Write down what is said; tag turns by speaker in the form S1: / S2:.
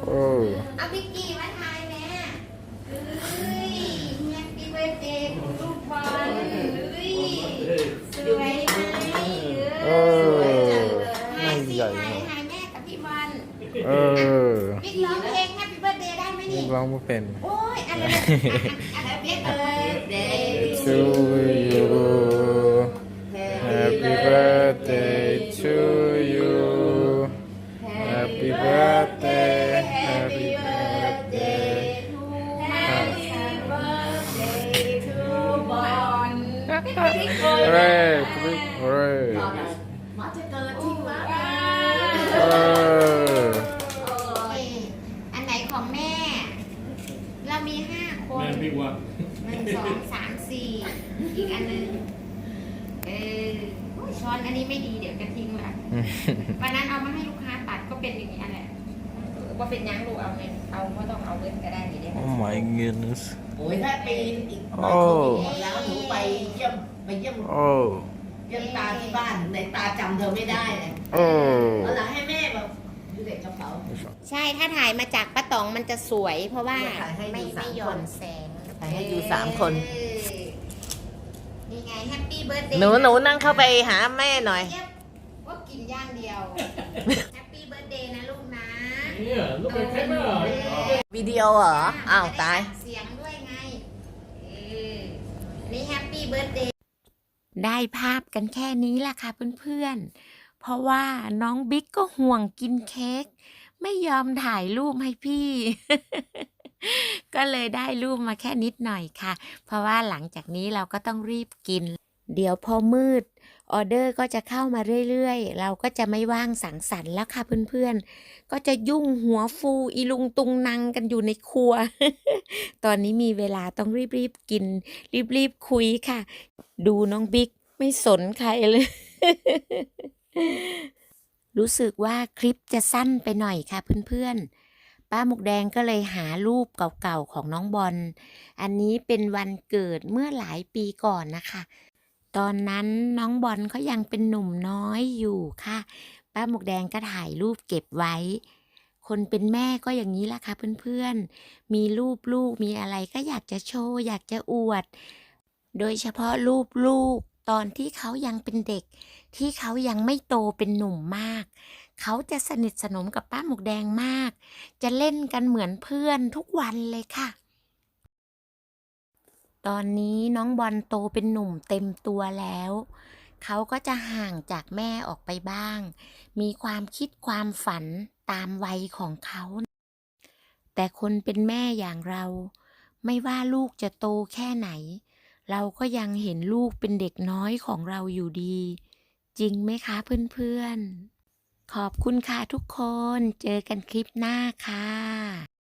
S1: เอาพิกกี้มาทายแม่เฮ้ยแฮปปี้เบิร์ดเดย์คุณลูกบอลเฮ้ยสวยไหมสวยจังเลยทายสิทายแม่กับพี่บอลบิ๊กร้องเพลงแฮปปี้เบิร์ดเดย์ได้ไหมนี่
S2: ร้องไม่เป็น
S1: โอ้ยอะไรแฮปปี้เบิร์ดเดย์
S2: to you Happy birthday to you Happy birthday Happy birthday
S1: Happy birthday to บอล
S2: Hooray Hooray
S1: มาจะเกิดที่วัดอันไหนของแม่ เรามี5 คน1 2 3 4อีกอันนึงช้อนอันนี้ไม่ดีเดี๋ยวจะทิ้งละวันนั้นเอามาให้ลูกค้าตัดก็เป็นอย่างนี้แหละว่าเป็นยังลูกเอาไงเอาก็ต้องเอาเว้นก็ได้ดีได้
S2: Oh my goodness
S3: โอ้ยถ้าปีอีกมาแล้วหนูไปเยี่ยมตาที่บ้านในตาจำเธอไม่ได้เลยเอาล่ะให้แม่แบบดูเด็กกระเป๋า
S1: ใช่ถ้าถ่ายมาจากป้าตองมันจะสวยเพราะว่าไม่หย่อนแสง
S3: ถ่ายให้ดู3 คน
S1: นี่ไงแฮปปี้เบิร์ดเดย์
S3: หนูนั่งเข้าไปหาแม่หน่อย
S1: ว่ากินย่างเดียวแฮปปี้เบิร์ดเดย์นะลูกนะ
S3: วิดีโอเหรออ้าวตาย
S1: เสียงด้วยไงนี่แฮปปี้เบิร์ดเดย์ได้ภาพกันแค่นี้ล่ะค่ะเพื่อนๆเพราะว่าน้องบิ๊กก็ห่วงกินเค้กไม่ยอมถ่ายรูปให้พี่ ก็เลยได้รูปมาแค่นิดหน่อยค่ะเพราะว่าหลังจากนี้เราก็ต้องรีบกินเดี๋ยวพอมืดออเดอร์ก็จะเข้ามาเรื่อยๆเราก็จะไม่ว่างสังสรรค์แล้วค่ะเพื่อนๆก็จะยุ่งหัวฟูอีลุงตุงนังกันอยู่ในครัว ตอนนี้มีเวลาต้องรีบๆกินรีบๆคุยค่ะดูน้องบิ๊กไม่สนใครเลย รู้สึกว่าคลิปจะสั้นไปหน่อยค่ะเพื่อนๆป้าหมวกแดงก็เลยหารูปเก่าๆของน้องบอลอันนี้เป็นวันเกิดเมื่อหลายปีก่อนนะคะตอนนั้นน้องบอลเขายังเป็นหนุ่มน้อยอยู่ค่ะป้าหมวกแดงก็ถ่ายรูปเก็บไว้คนเป็นแม่ก็อย่างนี้ละค่ะเพื่อนๆมีรูปลูกมีอะไรก็อยากจะโชว์อยากจะอวดโดยเฉพาะรูปลูกตอนที่เขายังเป็นเด็กที่เขายังไม่โตเป็นหนุ่มมากเขาจะสนิทสนมกับป้าหมวกแดงมากจะเล่นกันเหมือนเพื่อนทุกวันเลยค่ะตอนนี้น้องบอลโตเป็นหนุ่มเต็มตัวแล้วเขาก็จะห่างจากแม่ออกไปบ้างมีความคิดความฝันตามวัยของเขาแต่คนเป็นแม่อย่างเราไม่ว่าลูกจะโตแค่ไหนเราก็ยังเห็นลูกเป็นเด็กน้อยของเราอยู่ดีจริงไหมคะเพื่อนๆขอบคุณค่ะทุกคนเจอกันคลิปหน้าค่ะ